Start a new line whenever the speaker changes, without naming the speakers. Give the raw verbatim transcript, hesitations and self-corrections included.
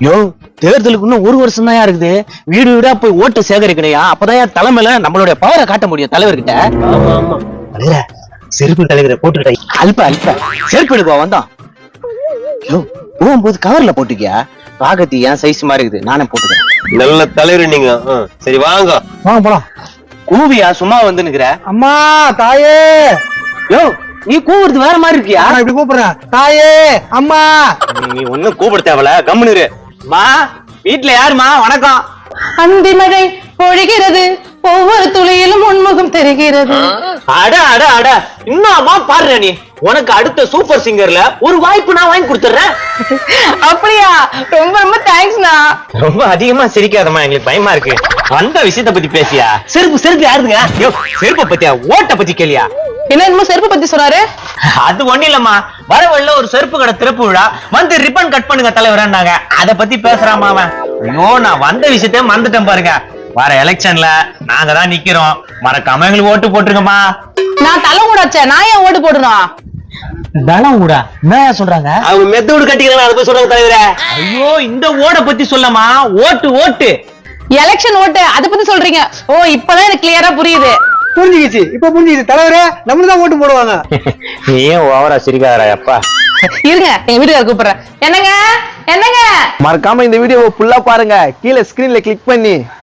யோ தேர்தலுக்கு இன்னும் ஒரு வருஷம் தான் இருக்குது. வீடு வீடா போய் ஓட்டு சேகரிக்கணையா, அப்பதான் தலைமையில நம்மளுடைய பவரை காட்ட முடியும் தலைவர்கிட்ட.
ஆமா ஆமா
தலைவர செருப்பு தலைவரை போட்டுக்கிட்ட அல்ப அல்ப செருப்பு எடுப்பா வந்தோம். யோ போகும்போது கவர்ல போட்டுக்கியா, பாகத்தி ஏன் சைஸ் மாதிரி இருக்குது, நானே போட்டுக்கிறேன்.
நல்ல தலைவர் நீங்க. சரி வாங்க
வாங்க போலாம். கூவியா சும்மா வந்து நிக்கிற?
அம்மா தாயே.
யோ நீ கூவுறது வேற மாதிரி இருக்கியா?
நான் இப்படி கூப்பிடுறேன் தாயே அம்மா.
நீ ஒண்ணும் கூப்பிட தேவல, கம்முனு மா. வீட்டுல யாருமா? வணக்கம்.
அந்தி மழை பொழிகிறது, ஒவ்வொரு துளியிலும் உன்முகம் தெரிகிறது.
அட அட அட இன்னும்மா பாரு, நீ உனக்கு அடுத்த சூப்பர் சிங்கர்ல ஒரு வாய்ப்பு நான் வாங்கி கொடுத்துறேன்.
அப்படியா? ரொம்ப ரொம்ப தேங்க்ஸ்ண்ணா.
ரொம்ப அதிகமா சிரிக்காதம்மா, எங்களுக்கு பயமா இருக்கு. வந்த விஷயத்த பத்தி பேசியா? செருப்பு செருப்பு யாருதுங்க? யோ செருப்பை பத்தியா, ஓட்ட பத்தி கேளியா?
என்ன என்னமோ செருப்பு பத்தி சொன்னாரு?
அது ஒண்ணு இல்லம்மா, வர வழியில ஒரு செருப்பு கடை திறப்பு விழா, வந்து ரிப்பன் கட் பண்ணுங்க தலைவரான்னாங்க. அத பத்தி பேசுறாமா அவன். ஐயோ நான் வந்த விஷயத்த மறந்துட்டேன் பாருங்க. வர எலெக்ஷன்ல நாங்க தான் நிக்கிறோம், மறக்காம எங்களுக்கு ஓட்டு போட்டுருங்கம்மா.
நான் தலை கூடாச்சே, நான் ஏன் ஓட்டு போடணும்?
தளம் ஊடா என்ன சொல்றாங்க?
அவங்க மெத்தோடு கட்டிக்கிறாங்க, அதை போய் சொல்றாங்க தலைவரே.
ஐயோ இந்த ஓட பத்தி சொல்லமா, ஓட்டு ஓட்டு
எலெக்ஷன் ஓட்டு அத பத்தி சொல்றீங்க? ஓ இப்பதான் எனக்கு கிளியரா புரியுது.
புரிஞ்சுக்கிச்சு, இப்ப புரிஞ்சுக்கிச்சு தலைவரே. நம்மளுதான் ஓட்டு போடுவாங்க.
நீயும் ஓவரா சிரிக்காதடா அப்பா.
இருங்க எங்க வீட்டுக்கார கூப்பிடுறேன். என்னங்க என்னங்க
மறக்காம இந்த வீடியோவை ஃபுல்லா பாருங்க, கீழே ஸ்கிரீன்ல கிளிக் பண்ணி